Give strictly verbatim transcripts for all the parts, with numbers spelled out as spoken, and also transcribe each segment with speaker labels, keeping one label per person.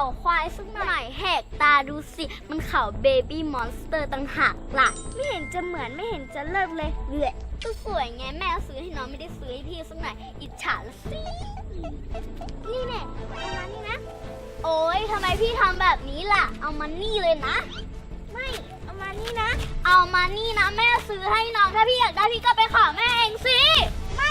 Speaker 1: ควายสักหน่อยแหกตาดูสิมันเขาเบบี้มอนสเตอร์ต่างหากล่ะไม่เห็นจะเหมือนไม่เห็นจะเลิกเลยเบื่อก็สวยไงแม่ซื้อให้น้องไม่ได้ซื้อให้พี่สักหน่อยอิจฉาละสินี่แน่เอามานี่นะโอ๊ยทำไมพี่ทำแบบนี้ล่ะเอามานี่เลยนะไม่เอามานี่นะเอามานี่นะแม่ซื้อให้น้องถ้าพี่อยากได้พี่ก็ไปขอแม่เองสิไม่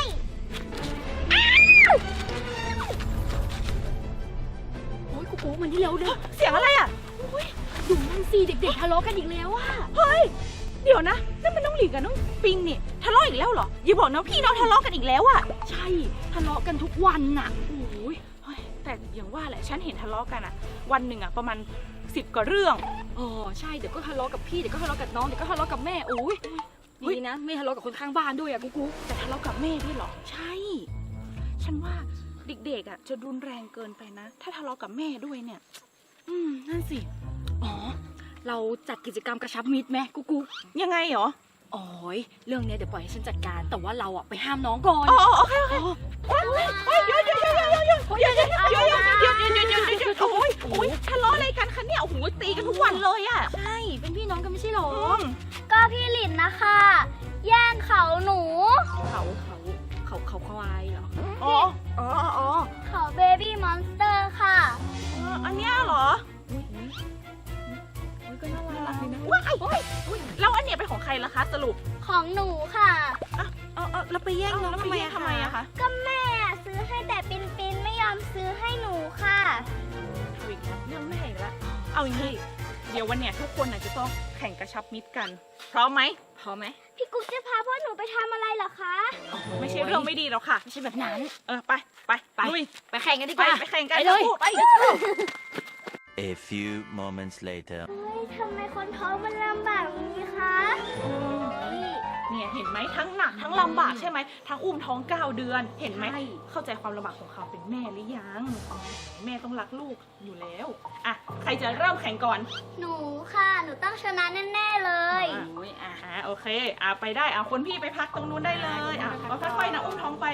Speaker 2: โอ้ยกูโก้มันที่แล้วเด้อ
Speaker 3: เสียงอะไรอ่ะ
Speaker 2: ดูนั่นสิเด็กๆทะเลาะกันอีกแล้วอ่ะ
Speaker 3: เฮ้ยเดี๋ยวนะนั่นมันน้องหลิงกับน้องปิงนี่ทะเลาะอีกแล้วเหรออย่าบอกนะพี่น้องทะเลาะกันอีกแล้วอ่ะ
Speaker 2: ใช่ทะเลาะกันทุกวันน่ะโอ้ย
Speaker 3: เฮ้ยแต่อย่างว่าแหละฉันเห็นทะเลาะกันอ่ะวันหนึ่งอ่ะประมาณสิบกว่าเรื่อง
Speaker 2: อ๋อใช่เดี๋ยวก็ทะเลาะกับพี่เดี๋ยวก็ทะเลาะกับน้องเดี๋ยวก็ทะเลาะกับแม่โอ้ยดีนะไม่ทะเลาะกับคนข้างบ้านด้วยอะกูกู
Speaker 3: แต่ทะเลาะกับแม่ด้วยเหรอใช่ ฉันว่าเด็กๆอ่ะจะรุนแรงเกินไปนะ ถ้าทะเลาะกับแม่ด้วยเนี่ยอืมนั่นสิ
Speaker 2: อ๋อเราจัดกิจกรรมกระชับมิตรไหมกูกู
Speaker 3: ยังไงเหรอ
Speaker 2: อ๋อยเรื่องนี้เดี๋ยวปล่อยให้ฉันจัดการแต่ว่าเราอะไปห้ามน้องก่อน
Speaker 3: อ๋อโอเคโอเคเฮ้ยเดี๋ยวเดี๋ยวเดี๋ยวเดี๋ยวเดี๋ยวเดี๋ยวเดี๋ยวเดี๋ยวเดี๋ยวเดี๋ยวเดี๋ยวเดี๋ยวเดี๋ยวเดี๋ยวโอ้ยโอ้ยทะเลาะอะไรกันคะเนี่ยโอ้โหตีกันทุกวันเลยอ่ะ
Speaker 2: ใช่เป็นพี่น้องกันไม่ใช่หรอ
Speaker 1: ก็พี่หลินนะคะแย่งเขาหนู
Speaker 2: เขาเขาเขาเขาควายเหรอ
Speaker 3: อ๋อ
Speaker 2: อ๋ออ๋อ
Speaker 1: เขาเบบี้มอนสเตอร์ค่ะ
Speaker 3: อันเนี้ยเหรอ
Speaker 2: อุ้ยอุ้ยอุ้ยก็น่ารักดีนะ
Speaker 3: ว้ายแล้วอันเนี้ยเป็นของใครล่ะคะสรุป
Speaker 1: ของหนูค่ะ
Speaker 2: เออเออเราไปแย่งน้อง
Speaker 3: แล้ว
Speaker 2: ทำ
Speaker 3: ไป
Speaker 2: ไม
Speaker 3: แย่ง
Speaker 2: อะ
Speaker 3: ทำไมอะคะ
Speaker 1: ก็แม่ซื้อให้แต่ปินปินไม่ยอมซื้อให้หนูค่ะ
Speaker 3: เอาอีกแล้วเรื่องแม่อีกแล้วเอาอย่างนี้เดี๋ยววันเนี้ยทุกคนน่ะจะต้องแข่งกระชับมิตรกันพร้อมไหม
Speaker 2: พอไหม
Speaker 1: พี่กุ๊กจะพาพ่อหนูไปทำอะไรเหรอคะ
Speaker 3: ไม่ใช่เรื่องไม่ดีหรอกค่ะ
Speaker 2: ไม่ใช่แบบนั้น
Speaker 3: เออไปไป
Speaker 2: ไป
Speaker 3: ลุย
Speaker 2: ไปแข่งกันดีก
Speaker 3: ไป
Speaker 2: ว่า
Speaker 3: ไปแข่งกัน
Speaker 2: ไปเลย
Speaker 3: ทั้งคู่ไป
Speaker 4: A few moments later.
Speaker 1: เฮ้ยทำไมคนท้องมันลำบากอย่างนี้คะนี่
Speaker 3: เนี่ยเห็นไหมทั้งหนักทั้งลำบากใช่ไหมทั้งอุ้มท้องเก้าเดือนเห็นไหม
Speaker 2: ใช่
Speaker 3: เข้าใจความลำบากของเขาเป็นแม่หรือยังแม่ต้องรักลูกอยู่แล้วอ่ะใครจะเริ่มแข่งก่อน
Speaker 1: หนูค่ะ หนูต้องชนะแน่ๆเลย
Speaker 3: อ่ะโอ้ยอ่ะอ่ะโอเคอ่ะไปได้อ่ะคนพี่ไปพักตรงนู้นได้เลยอ่ะก็ค่อยๆนะอุ้มท้องไป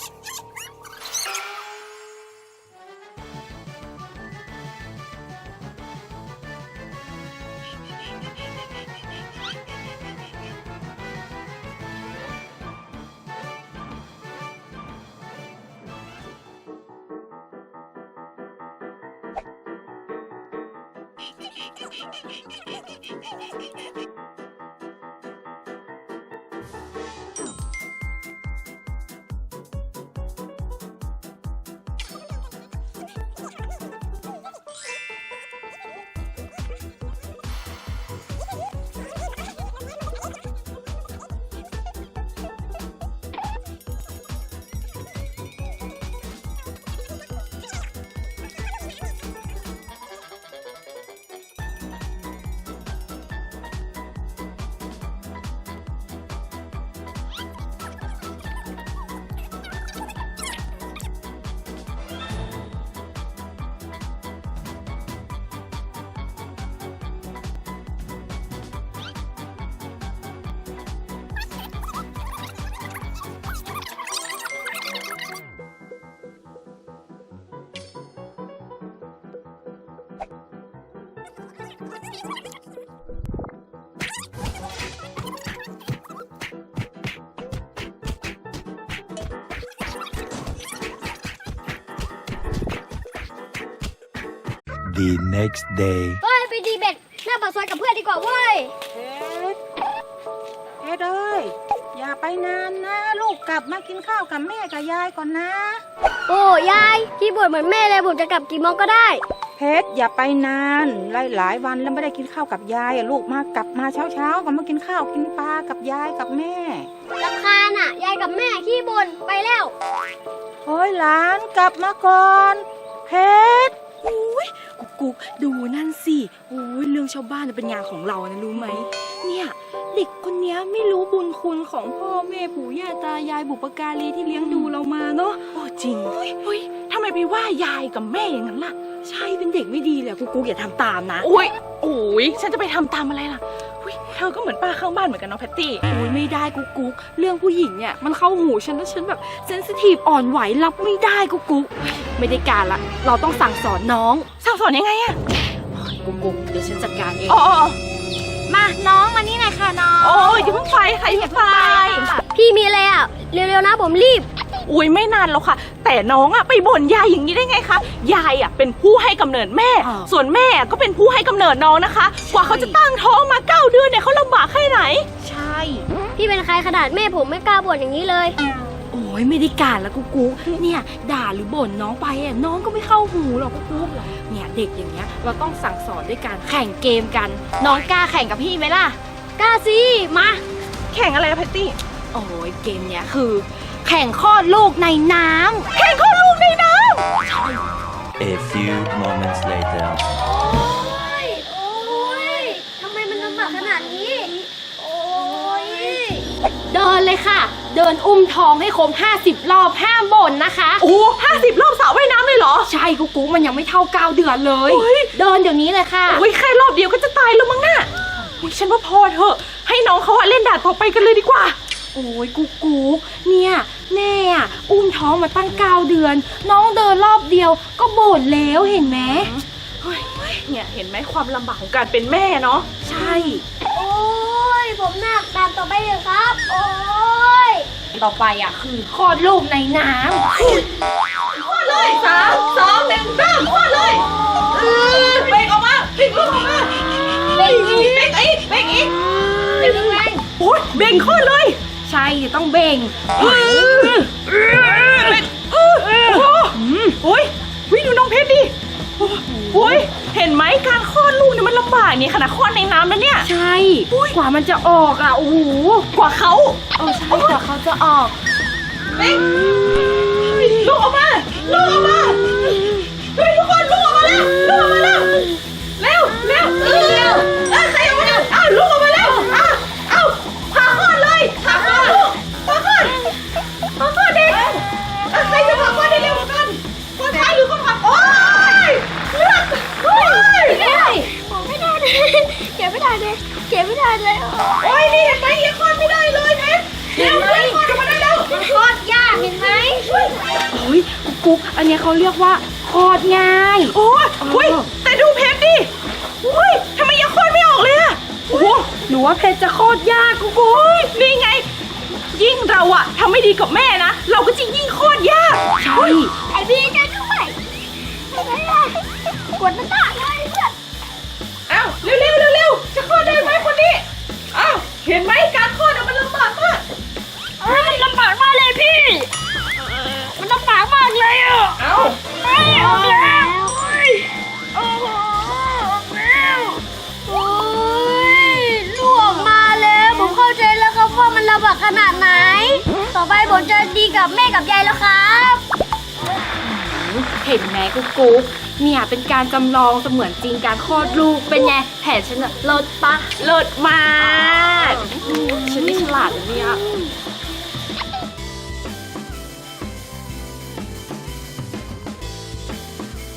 Speaker 4: The next day.
Speaker 1: เฮ้ยไปดีเบ็ดหน้าปากซอยกับเพื่อนดีกว่าเว้ย
Speaker 5: เฮ็ดเฮ็ดเอ้ยอย่าไปนานนะ ลูกกลับมากินข้าวกับแม่กับยายก่อนนะ
Speaker 1: โอ้ยายพี่บ่นเหมือนแม่เลยผมจะกลับกี่โมงก็ได้
Speaker 5: เฮ็ดอย่าไปนานหลายหลายวันแล้วไม่ได้กินข้าวกับยายอะลูกมากลับมาเช้าเช้าๆก็มากินข้าวกินปลากับยายกับแม่
Speaker 1: รำคาญอ่ะ ยายกับแม่ขี้บ่นไปแล้ว
Speaker 5: เฮ้ยหลานกลับมาก่อนเฮ็ด
Speaker 2: อุ้ยกุ๊กกุ๊กดูนั่นสิอุ้ยเรื่องชาวบ้านเป็นงานของเรานะรู้ไหมเนี่ยเด็กคนนี้ไม่รู้บุญคุณของพ่อแม่ปู่ย่าตายายบุปการีที่เลี้ยงดูเรามาเนาะ
Speaker 3: โอ้จริงเฮ้ยทำไมไปว่ายายกับแม่อย่างนั้นล่ะ
Speaker 2: ใช่เป็นเด็กไม่ดีเลยกุ๊กกุ๊กอย่าทำตามนะ
Speaker 3: โอ้ยโอ้ยฉันจะไปทำตามอะไรล่ะหุอุ๊ยเธอก็เหมือนป้าข้างบ้านเหมือนกันเนาะแพตตี้
Speaker 2: โอ้ยไม่ได้กุ๊กกุ๊กเรื่องผู้หญิงเนี่ยมันเข้าหูฉันแล้วฉันแบบเซนซิทีฟอ่อนไหวรับไม่ได้กุ๊กกุ๊กไม่ได้การละเราต้องสั่งสอนน้อง
Speaker 3: สั่งสอนยังไงอะ
Speaker 2: กุ๊กกุ๊กเดี๋ยวฉันจัดการเอง
Speaker 3: อ๋ออ๋อ
Speaker 2: มาน้องมานี่หน่อยค่ะน้อง
Speaker 3: โอ้ยอย่าเพิ่งไปค่ะอย่าเพิ่งไป
Speaker 1: พี่มีอะไรอ่ะ เร็วๆนะผมรีบ
Speaker 3: อุ้ยไม่นานแล้วค่ะ แต่น้องอะไปบ่นยายอย่างนี้ได้ไงคะยายอะเป็นผู้ให้กำเนิดแม่ ส่วนแม่ก็เป็นผู้ให้กำเนิดน้องนะคะ กว่าเขาจะตั้งท้องมาเก้าเดือนเนี่ยเขาลำบากแค่ไหน
Speaker 2: ใช่
Speaker 1: พี่เป็นใครขนาดแม่ผมไม่กล้าบ่นอย่างนี้เลย
Speaker 2: โอ้ยไม่ได้การละกุ๊กกุ๊กเนี่ยด่าหรือบ่นน้องไปอ่ะน้องก็ไม่เข้าหูหรอกกุ๊กกุ๊กเนี่ยเด็กอย่างเงี้ยเราต้องสั่งสอนด้วยการแข่งเกมกัน น้องกล้าแข่งกับพี่ไหมล่ะ
Speaker 1: กล้าสิมา
Speaker 3: แข่งอะไรอะแพตตี้
Speaker 2: โอ้ยเกมเนี้ยคือ แข่งคลอดลูกในน้ำ
Speaker 3: แข่งข้อลูกในน้
Speaker 4: A few moments later.
Speaker 1: โอ้ย โอ้ย ทำไมมันลำบากขนาดนี้ โอ้ย
Speaker 2: เดินเลยค่ะ เดินอุ้มท้องให้ครบห้าสิบรอบห้ามบ่นนะคะ
Speaker 3: ำโอ้ห้าสิบรอบสระว่ายน้ำเลยเหรอ
Speaker 2: ใช่กุ๊กกุ๊กมันยังไม่เท่าเก้าเดือนเลย
Speaker 3: โอ้ย
Speaker 2: เดินเดี๋ยวนี้เลยค่ะ
Speaker 3: โอ้ยแค่รอบเดียวก็จะตายแล้วมั้งน่ะอุ๊ยฉันว่าพอเถอะ ให้น้องเขาอะเล่นด่านต่อไปกันเลยดีกว่า
Speaker 2: โอ้ยกุ๊กกุ๊กเนี่ยแม่อะอุ้มท้องมาตั้งเก้าเดือน น้องเดินรอบเดียวก็บ่นแล้วเห็นไหม
Speaker 3: เฮ้ยเนี่ยเห็นไหมความลำบากของการเป็นแม่เนาะ
Speaker 2: ใช่
Speaker 1: โอ้ย ผมหนักตามต่อไปเลยครับ โอ้ย
Speaker 2: ต่อไปอ่ะคือคลอดลูกในน้
Speaker 3: คลอดเลยสามสองหนึ่งเริ่มคลอดเลยเออเบ่งออกมาเบ่งลูกออกมาเบ่งอีกเบ่งอีกเบ่งอีกเบ่งแรงโอ้ยเบ่งคลอดเลย
Speaker 2: ำใช่เดี๋ยวต้องเบ่ง
Speaker 3: เออเบ่งเออโอ้โหโอ้ยวิดูน้องเพชรดิโอ้ยเห็นไหมการคลอดลูกเนี่ยมันลำบากนี่ขนาดคลอดในน้ำแล้วเนี่ย
Speaker 2: ใช่กว่ามันจะออกอ่ะโอ้โห
Speaker 3: กว่าเขา
Speaker 2: เออใช่กว่าเขาจะออก
Speaker 3: เบ่งลูกออกมาลูกออกมาเฮ้ยทุกคนลูกออกมาแล้วลูกออกมาแล้วเร็วเร็วเออเร็วเออใครออกมาแล้วอ้าวลูกออกมาแล้วอ้าวอ้าวพาคลอดเลยพาคลอดลูกพาคลอดพาคลอดเด็กเออใครจะพาคลอดได้เร็วกว่ากันคนท้ายหรือคนขับโอ๊ยเลือดโอ๊ย
Speaker 1: ไม่ได้ผมไม่ได้เลยเก็บไม่ได้เลยเก็บไม่ได้เลย
Speaker 3: โอ๊ยนี่เห็นไหมยังคลอดไม่ได้เลยเพชรเร็วเร็วคลอดออกมาได้แล้ว
Speaker 1: มันคลอดยากเห็นไหม
Speaker 2: โอ้ยกุ๊กอันเนี้ยเขาเรียกว่าคลอดง่าย
Speaker 3: โอ้ยอุ้ยแต่ดูเพชรดิอุ้ยทำไมยังคลอดไม่ออกเลยอะโอ้โห
Speaker 2: หนูว่าเพชรจะคลอดยากกุ๊กกุ๊ก
Speaker 3: นี่ไง ยิ่งเราอะทำไม่ดีกับแม่นะ เราก็จะยิ่งโคตรยาก
Speaker 2: ใช่
Speaker 1: ไอพี่จะด้วยไม่ได้กดมันตาเลยเพื่อน
Speaker 3: อ้าวเร็วเร็วเร็วเร็วจะคลอดได้ไหมคนนี้อ้าวเห็นไหมการคลอดอะมันลำบากมาก
Speaker 1: เฮ้ยลำบากมากเลยพี่ มันลำบากมากเลยอ่ะ
Speaker 3: เอ้า
Speaker 1: ไม่ออกแล้วโอ้โหออกแล้วโอ้ยลูกออกมาแล้วผมเข้าใจแล้วครับว่ามันลำบากขนาดไหน ต่อไปผมจะดีกับแม่กับยายแล้วครับ
Speaker 2: เห็นไหมกุ๊กกุ๊กเนี่ยเป็นการจำลองเสมือนจริงการคลอดลูกเป็นไงแผนฉันอะเลิศปะ
Speaker 3: เลิศมากฉันนี่ฉลาดนะเนี่ย
Speaker 2: ใ